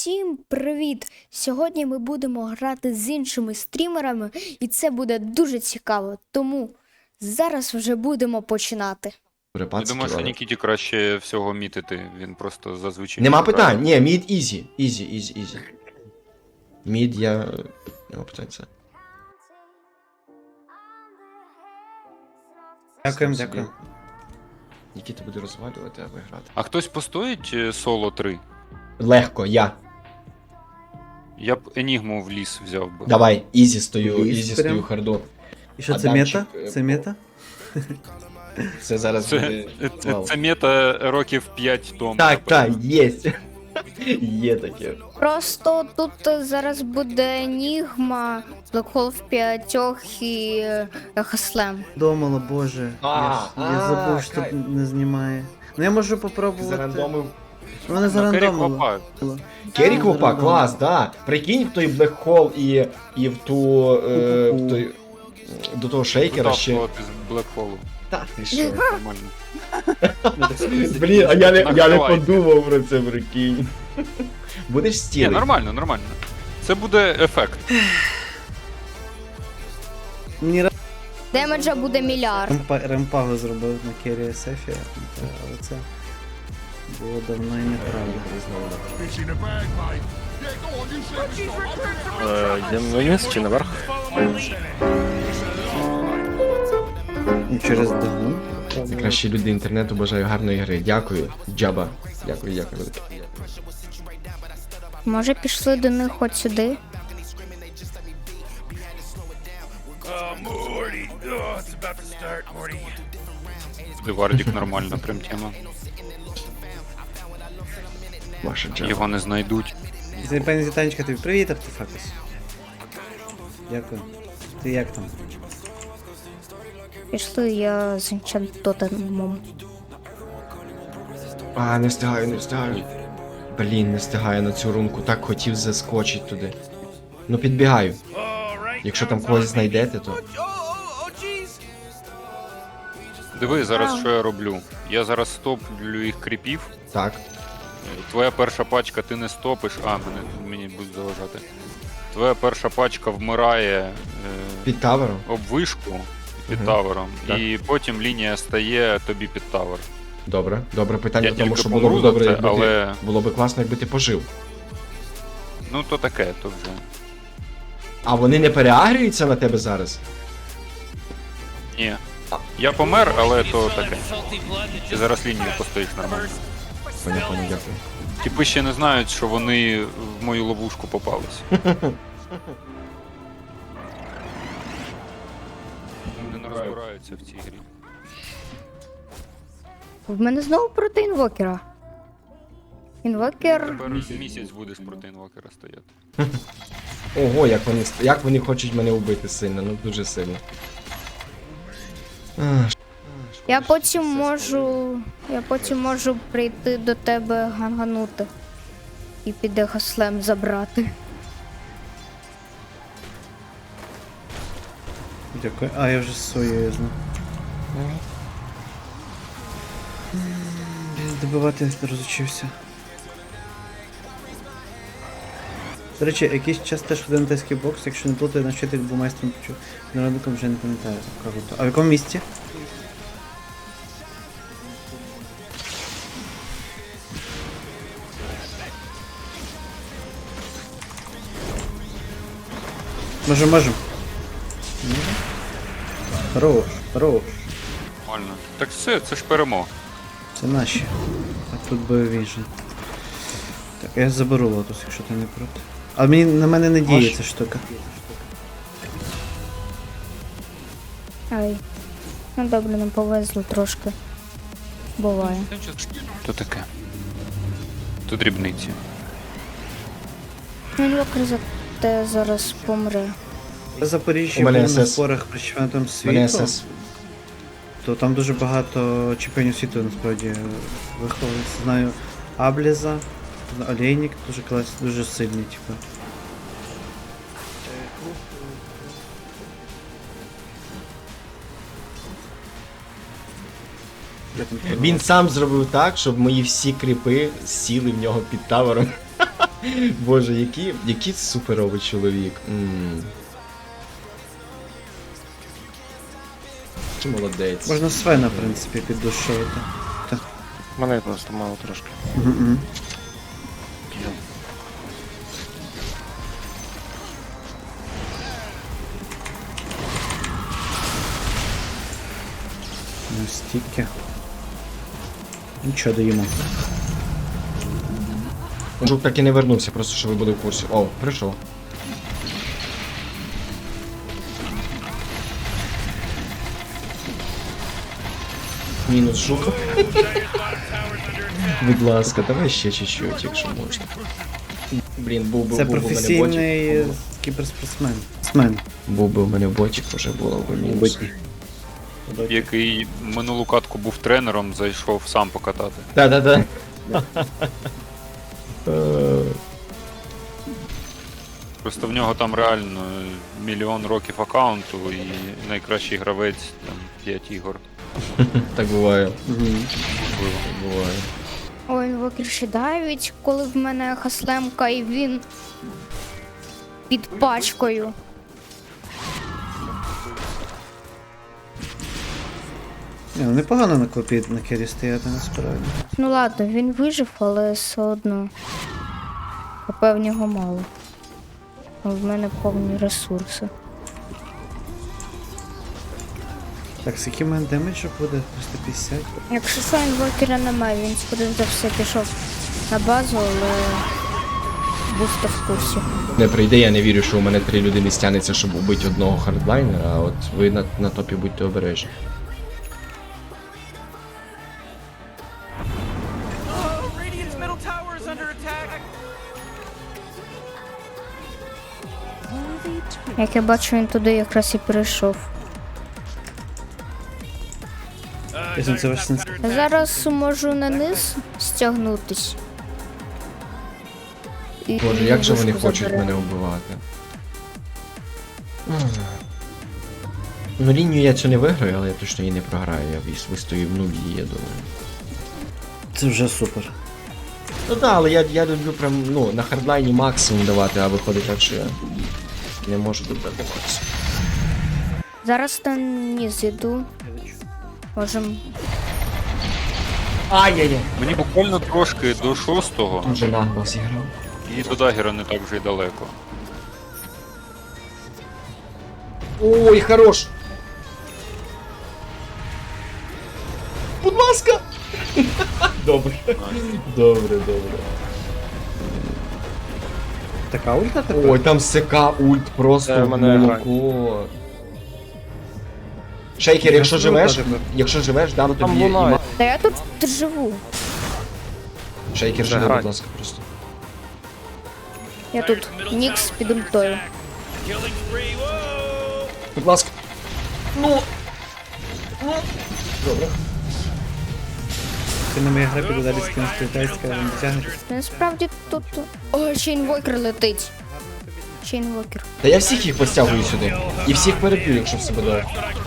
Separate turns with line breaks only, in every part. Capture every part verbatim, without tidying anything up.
Усім привіт! Сьогодні ми будемо грати з іншими стрімерами, і це буде дуже цікаво, тому зараз вже будемо починати.
Я думаю, що Нікіті краще всього мітити, він просто зазвичай...
Нема
грає.
питань, ні, мід ізі, ізі, ізі, ізі. Мід я... Нема питань це.
Дякуємо,
Собі.
дякуємо.
Нікіта буде розвалювати, а ви грати.
А хтось постоїть е, соло три?
Легко, я.
Я б Енігму в ліс взяв би.
Давай, ізі стою,
Ліз
ізі
прям.
стою харду.
І що це
Адамчик,
мета?
е,
Це мета?
Це зараз
Це,
буде...
це, це,
Вау.
це мета років п'ять тому.
Так, так,
напевно.
єсть. Є таке.
Просто тут зараз буде Енігма, Блекхол в п'ятьох і е, Хаслем.
Думала, боже.
А,
я, ж- я
а,
забув, що
кайф.
тут не знімає. Ну я можу попробувати.
Зарандомив.
Вони
Ну, Керрі
зарандомили.
Квапа.
Керрі Квопа,
Зарандомили.
клас, да. Прикинь в той блекхол і, і в ту... Е, в той, до того шейкера ще...
Витаскувати з Блекхолу.
Та ти що?
Нормально.
Блін, а я не, я не
Накривайте.
подумав про це, прикинь. Будеш
Ні,
стілити?
нормально, нормально. Це буде ефект.
Мені ра-
Демеджа буде мільярд.
ремпа- ремпагу зробив на Керрі Сефі, але це було давно і неправда.
Е, Йдемо вниз чи наверх?
І через догон.
Кращі люди інтернету, бажаю гарної гри. Дякую, Джаба. Дякую, дякую. велике.
Може пішли до них от сюди?
Вардік нормально, прям тема.
Ваша Джаба.
Його не знайдуть.
Це пані Зітанечка, тобі привіт, артефакус. Дякую. Ти як там?
Пішли я з Енчантотемом.
А, не встигаю, не встигаю. Блін, не встигаю на цю рунку. Так хотів заскочити туди. Ну підбігаю. Якщо там когось знайдете, то.
Диви зараз,
Ау.
що я роблю. Я зараз стоплю їх кріпів.
Так.
Твоя перша пачка, ти не стопиш. А, мене, мені будуть заважати. Твоя перша пачка вмирає е,
Під тавером.
об вишку під
Мгм.
тавером,
Так.
і потім лінія стає тобі під тавер.
Добре, добре питання
Я
в тому,
тільки
що було
помру
б
за
добре,
це,
якби
але-
ти. Було б класно, якби ти пожив.
Ну то таке, то вже.
А вони не переагрюються на тебе зараз?
Ні. Я помер, але то таке. Ти зараз лінію постоїш нормально.
Поняв, поняв, дякую.
Типи ще не знають, що вони в мою ловушку попались. Вони не розбираються в цій грі.
В мене знову проти інвокера. Інвокер.
Тепер місяць будеш проти інвокера стояти.
Ого, як вони, ст- як вони хочуть мене вбити сильно, ну дуже сильно. Ах,
Я потім можу. Я потім можу прийти до тебе ганганути. І піде Хаслем забрати.
Дякую. А, я вже з своєю знав. Добивати розучився. До речі, якийсь час теж в дентейський бокс, якщо не плутаю, на вчитель був майстром почув. Народником вже не пам'ятаю, круто. А в якому місці? Можем, можем. Хорош, хорош.
Нормально. Так все, це ж перемога.
Це наші. А тут бойові же. Так, я заберу лотус, якщо ти не проти. А мені на мене не діє
Можеш?
ця штука.
Ай. Ну добре, нам повезло трошки. Буває.
То таке. То дрібниці.
Ну, інвокер за те зараз помре.
В Запоріжжі
У мене
був на
СС.
спорах про чемпіонатом
Мене
світу,
СС.
то там дуже багато чемпіонів світу насправді виховується. Знаю Абліза, Олейник дуже клас, дуже сильний, типу.
Він сам зробив так, щоб мої всі кріпи сіли в нього під тавером. Боже, який, який суперовий чоловік. М. Чи молодець.
Можна Свена, в принципі, піддушувати.
Мене просто мало трошки.
Мгм. Настільки. Нічого даємо.
Жук так і не вернувся, просто що ви були в курсі. О, прийшов. Мінус жук. Будь ласка, давай ще чуть-чуть, якщо можна. Блін, був би,
Це
був би в мене
професійний
ботик.
кіберспортсмен. Смен.
Був би в мене ботик, вже було б мінус.
Який минулу катку був тренером, зайшов сам покатати.
Да-да-да. Е,
Просто в нього там реально мільйон років аккаунту і найкращий гравець там п'ять ігор.
Так буває.
Можливо.
Так буває.
Ой, інвокер ще давить, коли в мене хаслемка і він під пачкою.
Ні, ну непогано на копі на кері стояти насправді.
Ну ладно, він вижив, але все одно. ХП в нього мало. А в мене повні ресурси.
Так, з яким в мене демеджу буде? триста п'ятдесят?
Якщо що інвокера немає, він скоріш за все пішов на базу, але бусто в курсі.
Не прийде, я не вірю, що у мене три людини стягнеться, щоб убити одного хардлайнера, а от ви на, на топі будьте обережні.
Radiant's middle tower is under attack.
Як я бачу, він туди якраз і перейшов.
Якщо це ваш сенс.
Я зараз можу на низ стягнутись. І
Боже, як же вони
вишку
хочуть
заберемо.
мене вбивати. Ну, лінію я цю не виграю, але я точно її не програю. Я вис- вистою в нулі, я думаю.
Це вже супер.
Ну так, але я, я люблю прям, ну, на хардлайні максимум давати, а виходить так, що я не можу додати максимум.
Зараз на низ іду. Можем.
Ай-яй-яй.
Мені буквально трошки до шостого,
Вже нагло зіграв.
і до дагера не так вже й далеко.
Ой, хорош! Будь ласка! Добре. Добре, добре.
Така ульта тепер?
Ой, там СК ульт просто
Це
в
мене
молоко. Шейкер, якщо живеш,
тепер.
якщо живеш, дам
Там
тобі.
лунає.
іма-
Та я тут живу.
Шейкер,
Вже
живи,
грань.
будь ласка, просто.
Я тут. Нікс під ультою.
Killing spree. Whoa!
Будь ласка. Ну. Ну. Добре.
Ти на моїй гра піде далі скинути китайська, але не тягнете.
Насправді тут. О, ще інвокер летить. Ще інвокер.
Та я всіх їх постягую сюди. І всіх переб'ю, якщо все буде.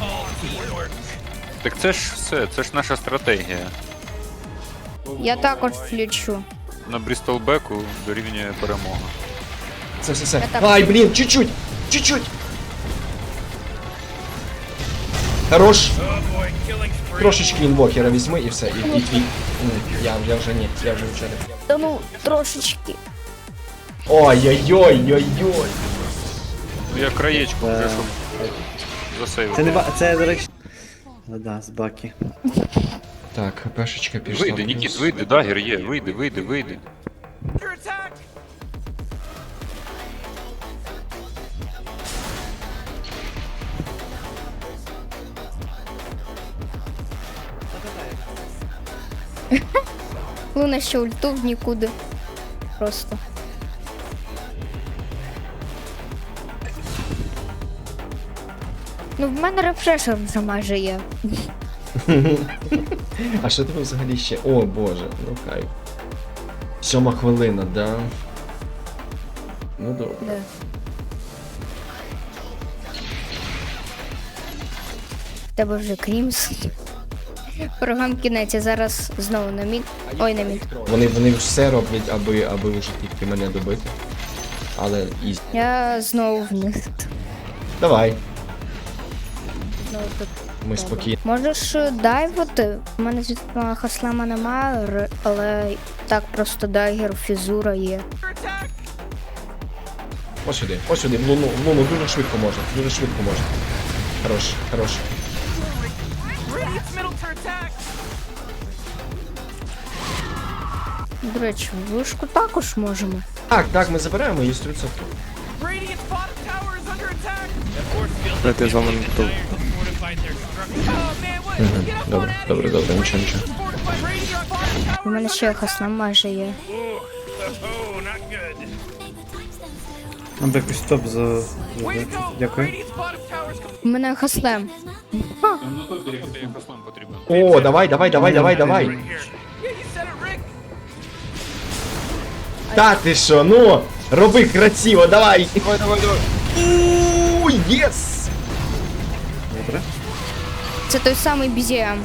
Так це ж все, це ж наша стратегія.
Я також включу.
На Брістолбеку дорівнює перемога.
Це все все.
Я так-
Ай, блін, чуть-чуть! Чуть-чуть! Хорош! Трошечки інвокера візьми і все, і, і твій. М, Я, я вже ні, я вже нічого не.
Та ну, трошечки.
Ой-ой-ой-ой-ой!
Ну я краєчку вже,
Е,
щоб засейвити.
Це не ба... Це, до речі... Ну да, з баки.
Так, хпшечка пішла.
Вийди, Нікіт, вийди, дагер є, вийди, вийди, вийди.
Under attack.
Луна ще ульту в нікуди. Просто. Ну, в мене рефрешер вже майже є.
А що тебе взагалі ще? О боже, ну кайф. Сьома хвилина, да? Ну добре.
Да. В тебе вже Крімс. Програм кінець, я зараз знову на мід. Ой, на мід.
Вони, вони все роблять, аби, аби вже тільки мене добити. Але із.
Я знову в них.
Давай,
Знову тут.
ми спокійно.
Можеш е, дайвати? У мене звідки хаслема немає, р- але так просто дайгер, фізура є.
Attack!
Ось сюди, ось сюди, в луну, в луну дуже швидко можна, дуже швидко можна. Хорош, хорош.
Radiant's middle turret attack!
До речі, вишку також можемо.
Так, так, ми забираємо її сто відсотків.
Radiant's bottom tower is under attack! That force field
Дайте за мене тут.
fortified their structure. Oh man, what? Get up on
Добре,
out of
добре,
here!
добре, нічого, нічого.
Fortified Radiant bottom tower
У мене
is
ще
under
хаслем майже є.
Oh, not good.
Нам би якийсь топ за...
Way to
за-
go!
Дякую.
Radiant's bottom tower is
У мене хаслем.
Ну тут перехопити послам потрібно.
О, давай, давай, давай, давай, давай.
here. Yeah, you said it, Rick!
Та ти що, ну, роби красиво, давай. Давай, давай, давай. Ууу, єс!
Добре.
Це той самий бі зі ем.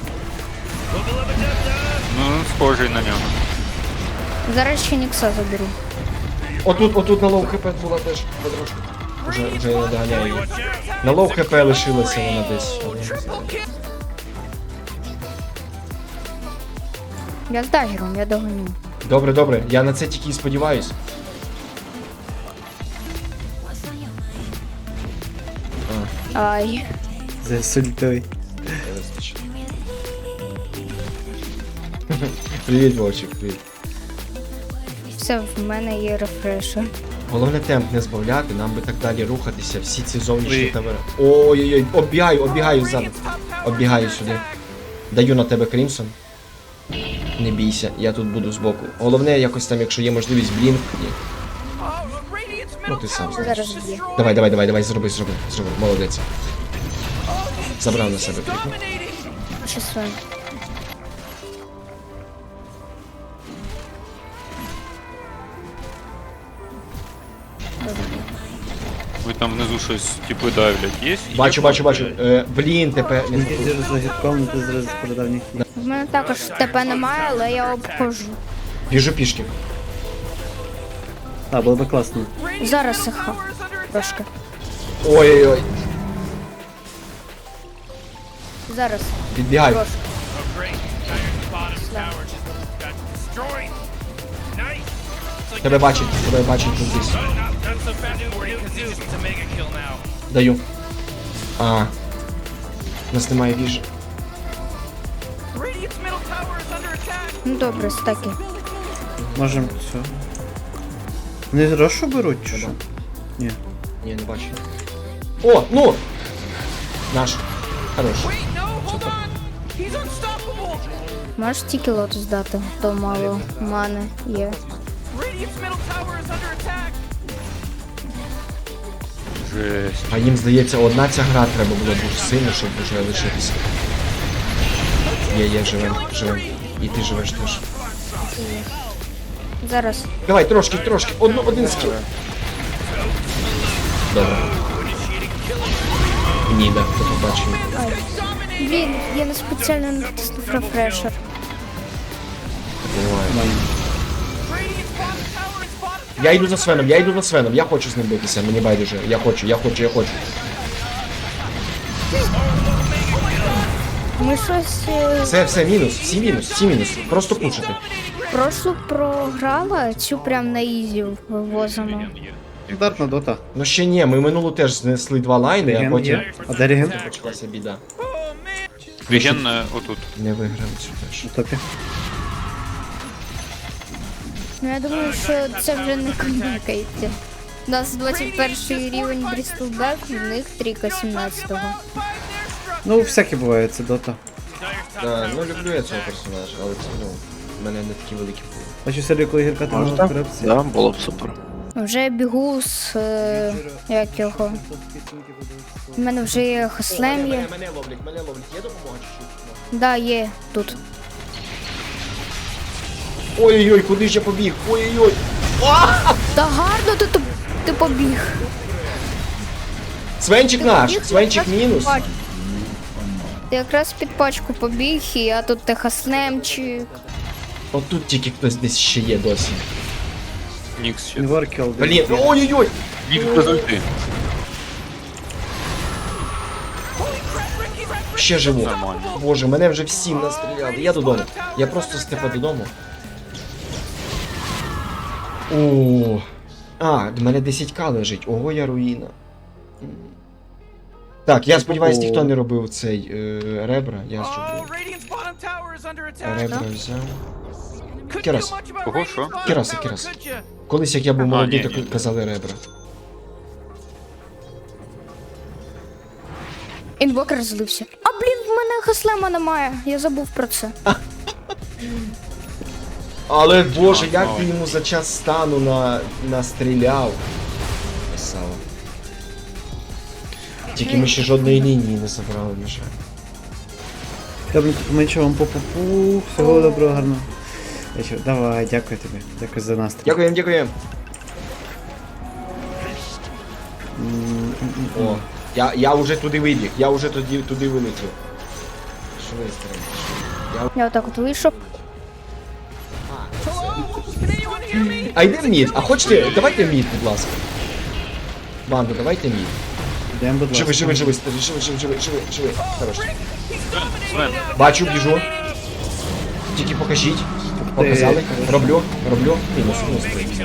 Ну, схожий на нього.
Зараз ще Нікса заберу.
Отут, отут на лоу хп була теж потрошку. Вже, вже я не доганяю її. На лоу хп лишилася вона десь. але я не знаю.
Я з дайгером, я догоню.
Добре, добре, я на це тільки і сподіваюсь.
Ай.
За сультой.
Привіт, Вовчик, привіт.
Все, в мене є рефрешер.
Головне темп не збавляти, нам би так далі рухатися, всі ці зовнішні тавери. Ой-ой-ой, оббігаю, оббігаю ззаду. Оббігаю сюди. Даю на тебе Крімсон. Не бійся, я тут буду збоку. Головне, якось там, якщо є можливість, блінк. Ні.
Oh, Radiant's
Ну
middle
ти сам
tower is
знаєш.
Зараз б'є.
destroyed!
Давай, давай, давай, давай, зроби, зроби, зроби. Молодець. Забрав на себе клік.
Dominating!
Ще своє.
Ви там внизу щось типи давлять. Є?
Бачу,
Є
бачу, бачу.
кнопки?
Е, блін, тепер.
Він підір за гідком, ти зараз передав ні.
В мене також ТП немає, але я обходжу.
Біжу пішки.
А, було би класно.
Зараз їх трошки.
Ой-ой-ой.
Зараз.
Підбігаю.
Трошки.
Oh, great. Iron's bottom tower just got destroyed. Nice. It's like
Тебе бачить, тебе бачить тут десь.
not, not so fast for you because it's a mega kill now.
Даю. А. У нас немає віж.
Radiant's middle tower is under attack.
Ну добре, стаки.
Можем все. Не рошу беруть чи що? Ні.
Ні, не бачу. О, ну! Наш. Хорош.
Wait, no, hold on. He's unstoppable.
Можеш тільки лотус дати, то мало мани є.
Radiant's middle tower is under attack.
Жесть.
А їм здається, одна ця гра треба було дуже сильно, щоб вже лишитися. Є, є, живем, живем. І ти живеш теж.
Зараз.
Давай, трошки, трошки. Одну, один скіл. Добре. Ні, да, хто побачив.
Блін, я не спеціально натиснув рефрешер.
Буває.
Radiant's bottom tower is bottom.
Я йду за Свеном, я йду за Свеном, я хочу з ним битися, мені байдуже. Я хочу, я хочу, я хочу.
Ми щось е,
Все, все, мінус, всі мінус, всі мінус. Просто пушити.
прошлу програла, цю прям на ізі вивозимо.
Стандартна дота.
Ну ще ні, ми минулу теж знесли два лайни, а
Реген
потім
є. А де реген?
почалася біда.
Віген е, отут.
Не виграли цю теж.
На топі.
Ну я думаю, що це вже не комікається. У нас двадцять перший рівень Брістелбек, в них трійка сімнадцятого.
Ну, всяке буває, це дота.
Да, ну люблю я цього персонажа, але це ну, в мене не такі великі були.
Бачу серію, коли гірка там на
Можна?
корупції.
Да, було б супер.
Вже бігу з е, як його. У мене вже є хаслем є.
Мене, мене ловлять, мене ловлять, є допомога чи
Да, є тут.
Ой-ой-ой, куди ж я побіг? Ой-ой-ой.
Та гарно ти, ти побіг.
Свенчик наш,
Побіг,
Свенчик
я
мінус.
бачу. Ти якраз під пачку побіг, і я тут техаснемчик.
Отут тільки хтось десь ще є досі.
Нікс ще.
Інворкіл.
Блін, ой-ой-ой!
Нікс без ульти.
Ще живу.
Нормально.
Боже, мене вже всім настріляли. Я додому. Я просто степа додому. О. А, в мене десять ка лежить. Ого, я руїна. Так, я сподіваюсь, ніхто не робив цей е, ребра. Я
Oh,
зроблю.
Radiant's bottom tower is under attack.
Ребра взяв.
Couldn't
Кірас.
do much about
Кого,
Radiant's
що?
bottom
Кіраса,
tower,
Кіраса.
could ya?
Колись, як я був
А,
молодий,
ні,
так
ні.
казали ребра.
Інвокер злився. А блін, в мене хаслема немає. Я забув про це.
Але боже,
А,
як
ну.
ти йому за час стану на... настріляв. Красава. Тільки ми ще жодної лінії не забрали, на жаль.
Добре, менше вам по-пу-пу. Всього доброго, гарно. Я що, давай, дякую тобі. Дякую за настрій.
Дякуємо, дякуємо. О, я, я вже туди вибіг, я вже туди, туди вилетів. Швидко.
Я отак от вийшов.
А йде в мід, а хочете, давайте в мід, будь ласка. Банду, давайте мід.
Йдемо, будь ласка.
Живи, живи, живи, живи, живи, живи, живи, живи, живи. Хорошо.
Свен,
Бачу, біжу. Тільки покажіть. Показали. Роблю, роблю. Мінус, мінус.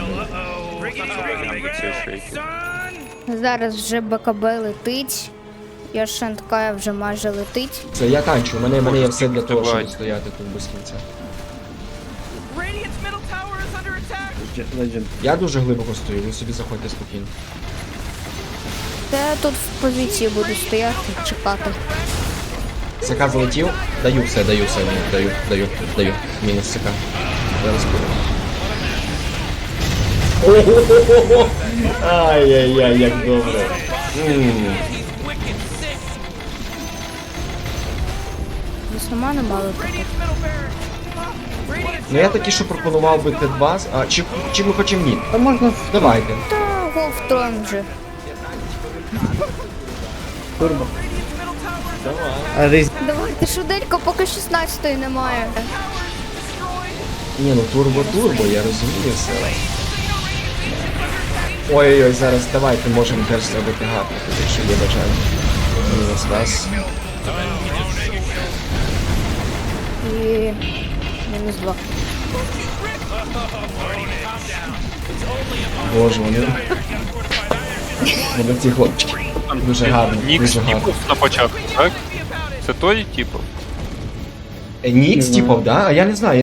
це шейки.
Зараз вже БКБ летить. Яшенткая вже майже летить.
Це я танчу, у мене, у мене є все для того, щоб
Давай.
стояти тут без кінця.
Radiant's middle tower is under attack.
Legend.
Я дуже глибоко стою, ви собі заходьте спокійно.
Та я тут в позиції буду стояти, чекати.
СК залетів. Даю все, даю все, ні, даю, даю, даю. Мінус СК. Зараз буду. Ого-го-го-го! Ай-яй-яй, як добре. М.
Весномана мало тут.
Radiant's middle barracks. Radiant's
Ну я таки, що пропонував би Т-два, а чи, чи ми хочемо ні?
Та можна в
Давайте.
Та гол втроєм вже.
турбо. А різ...
Давайте швиденько, поки шістнадцятої немає.
Ні, ну турбо-турбо, я розумію все. Ой-ой-ой, зараз давайте можемо теж зробити гарно, якщо є бажання. Мінус вас.
І мінус два.
Боже, вони... Вони ці хлопчики. Дуже гарно,
Нікс
дуже гарно.
типу на початку, так? Це той типу?
Е, Нікс, типов, да? А я не знаю.